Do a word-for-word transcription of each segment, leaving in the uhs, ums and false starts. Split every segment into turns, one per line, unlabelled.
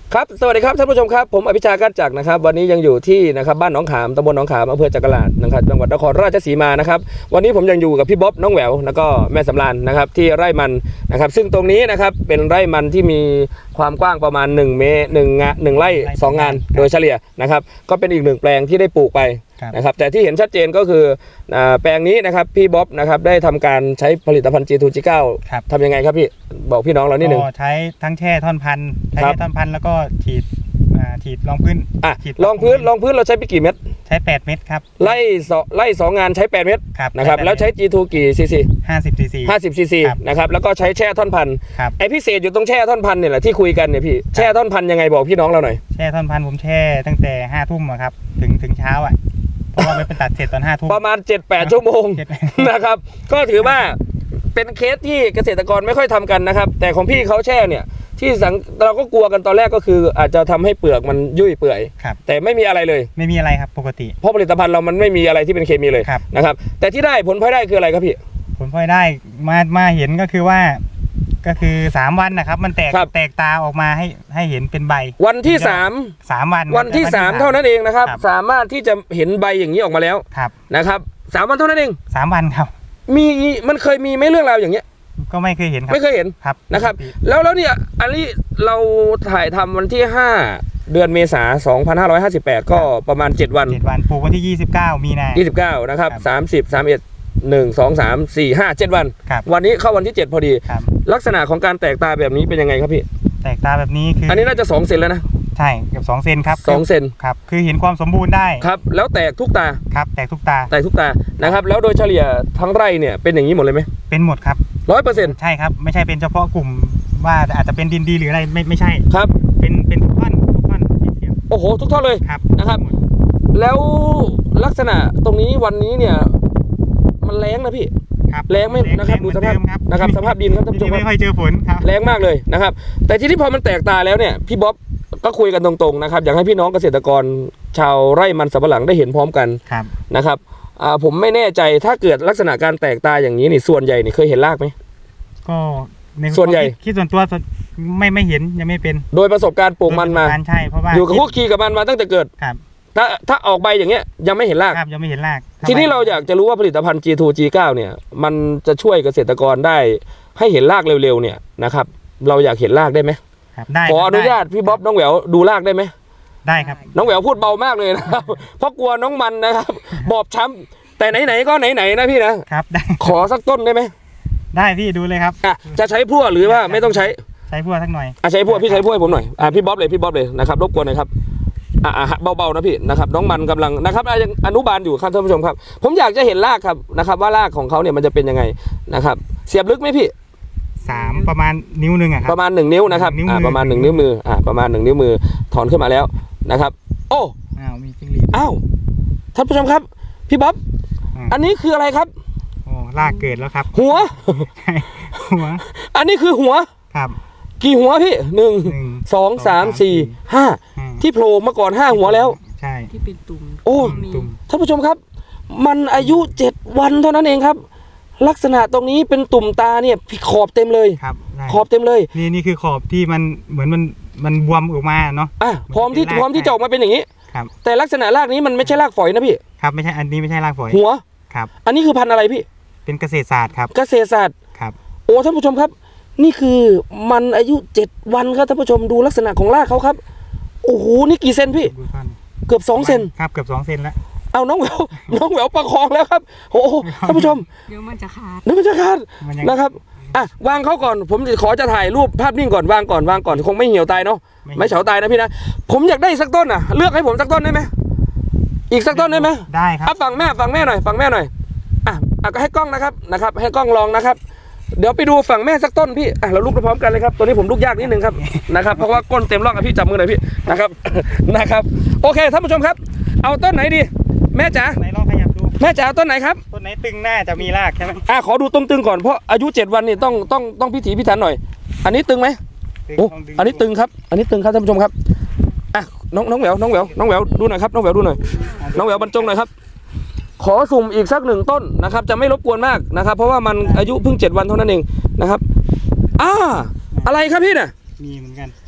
ครับสวัสดีครับท่านผู้ชมครับผมอภิชากัจจักรนะครับวันนี้ยังอยู่ที่นะครับบ้านหนองขามตำบลหนองขามอำเภอจักราชนะครับจังหวัดนครราชสีมานะครับวันนี้ผมยังอยู่กับพี่บ๊อบน้องแหววแล้วก็แม่สำราญนะครับที่ไร่มันนะครับซึ่งตรงนี้นะครับเป็นไร่มันที่มีความกว้างประมาณหนึ่งเมตรหนึ่งงานหนึ่งไร่สองงานโดยเฉลี่ยนะครับก็เป็นอีกหนึ่งแปลงที่ได้ปลูกไปนะครับแต่ที่เห็นชัดเจนก็คือแปลงนี้นะครับพี่บ๊อบนะครับได้ทำการใช้ผลิตภัณฑ์ จี ทู จี เก้า ทำยังไงครับพี่บอกพี่น้องเรานิดนึง
ก็ใช้ทั้งแช่ท่อนพันธุ์ใช้แช่ท่อนพันธุ์แล้วก็ฉีดฉีดรองพื้น
อ่ะรองพื้นรองพื้นเราใช้ไปกี่เม็ด
ใช้แปดเม็ดครับ
ไล่ไล่สองงานใช้แปดเม็ดนะครับแล้วใช้ จี ทู กี่ซีซี
ห้าสิบซีซี
ห้าสิบซีซีนะครับแล้วก็ใช้แช่ท่อนพันธุ์ไอพิเศษอยู่ตรงแช่ท่อนพันธุ์เนี่ยแหละที่คุยกันเนี่ยพี่แช่ท่อนพันธุ์ยังไงบอกพี่น้องเราหน่อย
แช่ท่อนพันธุ์ผมแช่ตั้งแต่ห้าทุ่มครับถึงถึงเช้าอ่ะเพราะว่าไม่เป็นตัดเสร็จตอนห้าทุ่ม
ประมาณ เจ็ดแปด ชั่วโมงนะครับก็ถือว่าเป็นเคสที่เกษตรกรไม่ค่อยทำกันนะครับแต่ของพี่เขาแช่เนี่ยที่สังเราก็กลัวกันตอนแรกก็คืออาจจะทำให้เปลือกมันยุ่ยเปื่อยแต่ไม่มีอะไรเลย
ไม่มีอะไรครับปกติ
เพราะผลิตภัณฑ์เรามันไม่มีอะไรที่เป็นเคมีเลยนะครับแต่ที่ได้ผลพลอยได้คืออะไรครับพี่
ผลพลอยได้มามาเห็นก็คือว่าก็คือสามวันนะครับมันแตกแตกตาออกมาให้ให้เห็นเป็นใบ
วันที่สาม
สามวัน
วันที่สามเท่านั้นเองนะครับสามารถที่จะเห็นใบอย่างนี้ออกมาแล้วนะครับสามวันเท่านั้นเอง
สามวันครับ
มีมันเคยมีไหมเรื่องราวอย่างเงี้ย
ก็ไม่เคยเห็นครับ
ไม่เคยเห็นครับนะครับแล้วแล้วเนี่ยอันนี้เราถ่ายทำวันที่ห้าเดือนเมษายนสองพันห้าร้อยห้าสิบแปดก็ประมาณเจ็ดวัน
เจ็ดวันปลูกวันที่ยี่สิบเก้ามีนา
ยี่สิบเก้านะครับสามสิบ สามสิบเอ็ด หนึ่ง สอง สาม สี่ ห้า เจ็ดวันวันนี้เข้าวันที่เจ็ดพอดีลักษณะของการแตกตาแบบนี้เป็นยังไงครับพี่
แตกตาแบบนี้คือ
อันนี้น่าจะสองเซนแล้วนะ
ใช่เกือบสองเซนครับ
สองเซน
ครับคือเห็นความสมบูรณ์ได้
ครับแล้วแตกทุกตา
ครับแตกทุกตา
แตกทุกตานะครับแล้วโดยเฉลี่ยทั้งไร่เนี่ยเป็นอย่างนี้หมดเลยไหม
เป็นหมดครับ
ร้อยเปอร์เซ็นต์
ใช่ครับไม่ใช่เป็นเฉพาะกลุ่มว่าอาจจะเป็นดินดีหรืออะไรไม่ไม่ใช่
ครับ
เป็นเป็นทุกท่อนทุกท่อน
โอ้โหทุกท่อนเลย
ครับ
นะครับแล้วลักษณะตรงนี้วันนี้เนี่ยมันแรงนะพี่แรงไม่นะครับดูสภาพนะครับสภาพดินครับท่านผู้ชม
ไม่ค่อยเจอฝนครับ
แรงมากเลยนะครับแต่ทีนี้พอมันแตกตาแล้วเนี่ยพี่บ๊อบก็คุยกันตรงๆนะครับอยากให้พี่น้องเกษตรกรชาวไร่มันสำปะหลังได้เห็นพร้อมกันนะครับผมไม่แน่ใจถ้าเกิดลักษณะการแตกตาอย่างนี้นี่ส่วนใหญ่นี่เคยเห็นรากไหม
ก็
ส่วนใหญ่
คิดส่วนตัวไม่ไม่เห็นยังไม่เป็น
โดยประสบการณ์ปลูกมันมา
ใช่เพราะว่า
อยู่กับคุกคีกับมันมาตั้งแต่เกิดถ้าถ้าออกใบอย่างเงี้ยยังไม่เห็นราก
ครับยังไม่เห็นราก
ทีนี้เราอยากจะรู้ว่าผลิตภัณฑ์ จี ทู จี เก้า เนี่ยมันจะช่วยเกษตรกรได้ให้เห็นรากเร็วๆเนี่ยนะครับเราอยากเห็นรากได้ไหม
ได้
ขออนุญาตพี่บ๊อบน้องแหววดูรากได้ไหม
ได้ครับ
น้องแหววพูดเบามากเลยนะครับเพราะกลัวน้องมันนะครับบอบช้ำแต่ไหนๆก็ไหนๆนะพี่นะครับ
ได้
ขอสักต้นได้ไหม
ได้พี่ดูเลยครับ
อ่ะจะใช้พั่วหรือว่าไม่ต้องใช้
ใช้พั่วสักหน่อย
อ่ะใช้พั่วพี่ใช้พั่วให้ผมหน่อยอ่ะพี่บ๊อบเลยพี่บ๊อบเลยนะครับรบกวนหน่อยครับอ่าเบาๆนะพี่นะครับน้องมันกำลังนะครับยังอนุบาลอยู่ครับท่านผู้ชมครับผมอยากจะเห็นรากครับนะครับว่ารากของเขาเนี่ยมันจะเป็นยังไงนะครับเสียบลึกไหมพี่
สามประมาณนิ้วหนึ่งอะครับ
ประมาณหนึ่งนิ้วนะครับอ่าประมาณหนึ่งนิ้วมืออ่าประมาณหนึ่งนิ้วมือถอนขึ้นมาแล้วนะครับโอ้
อ้าวมีจิ้งหรีด
อ้าวท่านผู้ชมครับพี่บ๊อบอันนี้คืออะไรครับ
โอ้รากเกิดแล้วครับ
หัว
หัว
อันนี้คือหัว
ครับ
กี่หัวพี่หนึ่งสองสามสี่ห้าที่โผล่มาก่อนห้าหัวแล้ว
ใช่
ที่เป็นตุ่ม
โอ้ท่านผู้ชมครับมันอายุเจ็ดวันเท่านั้นเองครับลักษณะตรงนี้เป็นตุ่มตาเนี่ยขอบเต็มเลย
ครับ
ขอบเต็มเลย
นี่นี่คือขอบที่มันเหมือนมันมันบวมออกมาเนาะ
อ่ะพร้อมที่พร้อมที่จะออกมาเป็นอย่างนี้
ครับ
แต่ลักษณะรากนี้มันไม่ใช่รากฝอยนะพี่
ครับไม่ใช่อันนี้ไม่ใช่รากฝอย
หัว
ครับ
อันนี้คือพันธุ์อะไรพี่
เป็นเกษตรศาสตร์ครับ
เกษตรศาสตร์
ครับ
โอ้ท่านผู้ชมครับนี่คือมันอายุเจ็ดวันครับท่านผู้ชมดูลักษณะของรากเขาครับโอ้โหนี่กี่เซนพี่เกือบสองเซน
ครับเกือบสองเซนแล้ว
เอาน้องแหววน้องแหววประคองแล้วครับโอ้ท่านผู้ชม
เดี๋ยวมันจะขาด
เดี๋ยวมันจะขาดนะครับอ่ะวางเขาก่อนผมขอจะถ่ายรูปภาพนิ่งก่อนวางก่อนวางก่อนคงไม่เหี่ยวตายเนาะไม่เฉาตายนะพี่นะผมอยากได้สักต้นอ่ะเลือกให้ผมสักต้นได้ไหมอีกสักต้นได้ไหม
ได้ครับ
ฟังแม่ฟังแม่หน่อยฟังแม่หน่อยอ่ะก็ให้กล้องนะครับนะครับให้กล้องลองนะครับเดี๋ยวไปดูฝั่งแม่สักต้นพี่อ่ะเราลุกไปพร้อมกันเลยครับตัวนี้ผมลุกยากนิดนึงครับนะครับเพราะว่าก้นเต็มร่องอ่ะพี่จับมือหน่อยพี่นะครับนะครับโอเคท่านผู้ชมครับเอาต้นไหนดีแม่จ๋า
ไหนลองขยับดู
แม่จ๋าต้นไหนครับ
ต้นไหนตึงหน้าจะมีรากใช่ไหม
อ่ะขอดูตรงตึงก่อนเพราะอายุเจ็ดวันนี่ต้องต้องต้องพิถีพิถันหน่อยอันนี้ตึงไหมโอ้อันนี้ตึงครับอันนี้ตึงครับท่านผู้ชมครับอ่ะน้องน้องแหววน้องแหววน้องแหววดูหน่อยครับน้องแหววดูหน่อยน้องแหววบรรจงหน่อยครับขอสุ่มอีกสักหนึ่งต้นนะครับจะไม่รบกวนมากนะครับเพราะว่ามันอายุเพิ่งเจ็ดวันเท่านั้นเองนะครับอ่าอะไรครับพี่น่ะ
มีเหมือนกัน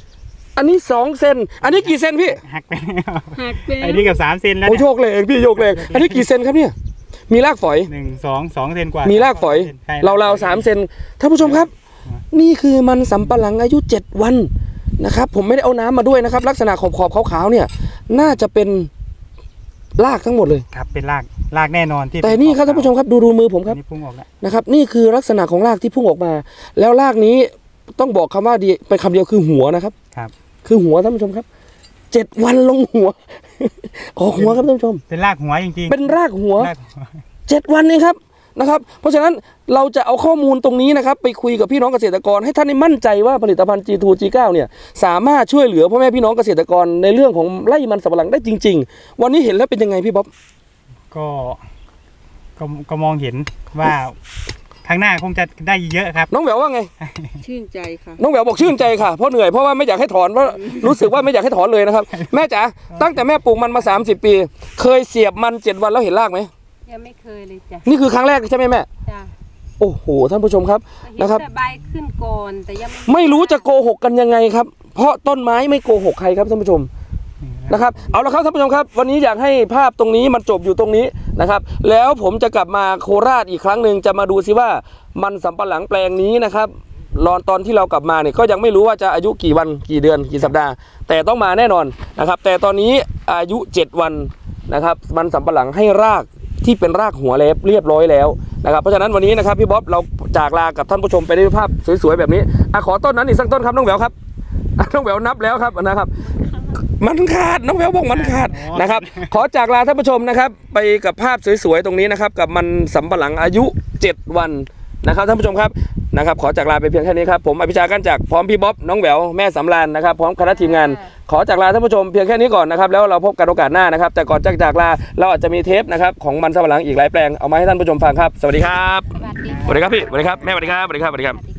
อันนี้สองเซนอันนี้กี่เซนพี่
หักไป
หักเป็น
ไอ้นี่กับสามเซนแล้ว
โอ้
เนี่ย
โยกเลยพี่โยกเลยอันนี้กี่เซนครับเนี่ยมีรากฝอย
หนึ่งสองสองเซนกว่า
มีรากฝอย
ใช่
เราเราสามเซนท่านผู้ชมครับ นี่คือมันสำปะหลังอายุเจ็ดวันนะครับผมไม่ได้เอาน้ำมาด้วยนะครับลักษณะขอบขอบขาวๆเนี่ยน่าจะเป็นรากทั้งหมดเลย
ครับเป็นรากรากแน่นอนที่
แต่นี่ครับท่านผู้ชมครับดูดูมือผมครับ
นี่พุ่งออกแล้ว
นะครับนี่คือลักษณะของรากที่พุ่งออกมา แล้วรากนี้ต้องบอกคำว่าดีเป็นคำเดียวคือหัวนะครับ
ครับ
คือหัวท่านผู้ชมครับเจ็ดวันลงหัว ออกหัวครับท่านผู้ชม
เป็นรากหัวจริงๆ
เป็นรากหัว
รากหัว
เจ็ดวันเองครับนะครับ เพราะฉะนั้นเราจะเอาข้อมูลตรงนี้นะครับไปคุยกับพี่น้องเกษตรกรให้ท่านได้มั่นใจว่าผลิตภัณฑ์ จี ทู จี ไนน์ เนี่ยสามารถช่วยเหลือพ่อแม่พี่น้องเกษตรกรในเรื่องของไร่มันสำปะหลังได้จริง ๆ วันนี้เห็นแล้วเป็นยังไงพี่บ๊อบ
ก็ก็ก็มองเห็นว่าข้างหน้าคงจะได้เยอะครับ
น้องแหววว่าไง
ชื่นใจค่ะ
น้องแหววบอกชื่นใจค่ะเพราะเหนื่อยเพราะว่าไม่อยากให้ถอนเพราะรู้สึกว่าไม่อยากให้ถอนเลยนะครับ แม่จ๋าตั้งแต่แม่ปลูกมันมาสามสิบปี เคยเสียบมันเจ็ดวันแล้วเห็นรากไหม
ยังไม่เคยเลยจ้ะ
นี่คือครั้งแรกใช่ไหมแม่
จ้ะ
โอ้โหท่านผู้ชมครับ
เห็น
นะครับ
แต่ใบขึ้นก่อนแต่ยัง
ไม่รู้จะโกหกกันยังไงครับ เพราะต้นไม้ไม่โกหกใครครับท่านผู้ชมนะครับเอาละครับท่านผู้ชมครับ วันนี้อยากให้ภาพตรงนี้มันจบอยู่ตรงนี้นะครับ แล้วผมจะกลับมาโคราชอีกครั้งหนึ่งจะมาดูซิว่ามันสำปะหลังแปลงนี้นะครับรอนตอนที่เรากลับมาเนี่ยก็ยังไม่รู้ว่าจะอายุกี่วันกี่เดือนกี่สัปดาห์ แต่ต้องมาแน่นอนนะครับ แต่ตอนนี้อายุเจ็ดวันนะครับมันสำปะหลังให้รากที่เป็นรากหัวเล็บเรียบร้อยแล้วนะครับเพราะฉะนั้นวันนี้นะครับพี่บ๊อบเราจากลากับท่านผู้ชมไปด้วยภาพสวยๆแบบนี้อ่ะขอต้นนั้นอีกสักต้นครับน้องแหววครับอ่ะน้องแหววนับแล้วครับนะครับ มันขาดน้องแววบอกมันขาดนะครับ ขอจากลาท่านผู้ชมนะครับ ไปกับภาพสวยๆตรงนี้นะครับ กับมันสำปะหลังอายุเจ็ดวันนะครับท่านผู้ชมครับนะครับ ขอจากลาไปเพียงแค่นี้ครับผมอภิชากันจากพร้อมพี่บ๊อบน้องแหววแม่สำราญนะครับพร้อมคณะทีมงาน ขอจากลาท่านผู้ชมเพียงแค่นี้ก่อนนะครับแล้วเราพบกันโอกาสหน้านะครับ แต่ก่อนจากจากลาเราอาจจะมีเทปนะครับของมันสำปะหลังอีกหลายแปลงเอามาให้ท่านผู้ชมฟังครับสวัสดีครับ
สวัสดี
สวัสดีครับพี่สวัสดีครับแม่สวัสดีครับสวัสดีครับสวัสดีครับ